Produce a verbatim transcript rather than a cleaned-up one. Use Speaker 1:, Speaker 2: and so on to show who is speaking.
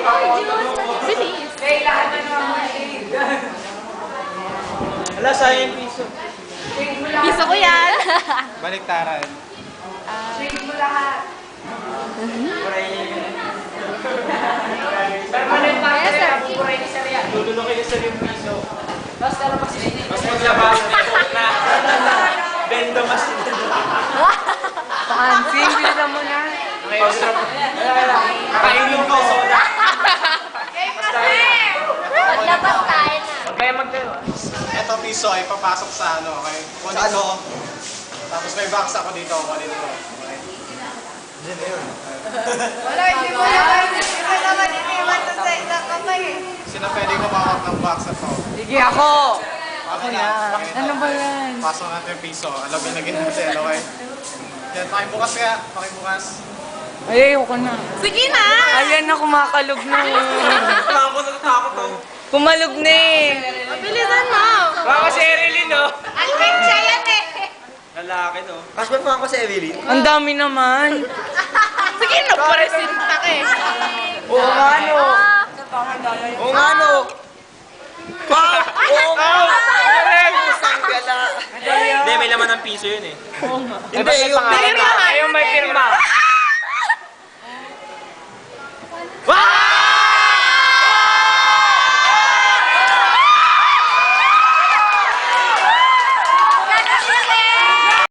Speaker 1: Bilis.
Speaker 2: Kailangan na naman mga shade.
Speaker 3: Wala, sayang piso.
Speaker 1: Piso ko yan.
Speaker 3: Baliktaran.
Speaker 2: Shade mo lahat.
Speaker 3: Permanent
Speaker 2: pa
Speaker 1: Yes, sir.
Speaker 2: Buburay ni Sir yan.
Speaker 3: Lululokin niya sa yung piso.
Speaker 2: Basta labas na ini.
Speaker 3: Mas maglabas na. Bendo mas.
Speaker 2: Fancy, bilisan mo na.
Speaker 3: Kainin ko soda.
Speaker 1: Maglabas tayo na.
Speaker 3: Kaya magdalo. Ito piso ay papasok sa ano, okay? Kunin ko. Tapos may box ako dito, kunin ko. Okay? Diyan na yun.
Speaker 2: Wala, hindi mo naman. Hindi mo naman iniwan sa sa isang kamay eh.
Speaker 3: Sino pwede kumawak ng box na to?
Speaker 2: Sige, ako.
Speaker 3: Ako na.
Speaker 2: Ano ba yan?
Speaker 3: Pasok natin yung piso. Alam mo lagyan natin, okay? Yan, pakibukas kaya. Pakibukas.
Speaker 2: Ay, ayoko na.
Speaker 1: Sige na.
Speaker 2: Ayan na, kumakalog na.
Speaker 3: Wala ako natatakot to.
Speaker 2: Kumalog na eh.
Speaker 1: Mabilisan mo.
Speaker 3: Baka si Erilyn, no?
Speaker 1: Alvin yan eh.
Speaker 3: Lalaki, no?
Speaker 4: Cash ba pa ako sa Evelyn?
Speaker 2: Ang dami naman.
Speaker 1: Sige na, presinta ka eh.
Speaker 4: Oo nga no! Oo nga no! Wow! Oo nga! Isang gala!
Speaker 3: Hindi, may laman ng piso yun eh.
Speaker 4: Hindi, yung
Speaker 1: Pirma.
Speaker 2: Ayaw may pirma.
Speaker 4: Wow!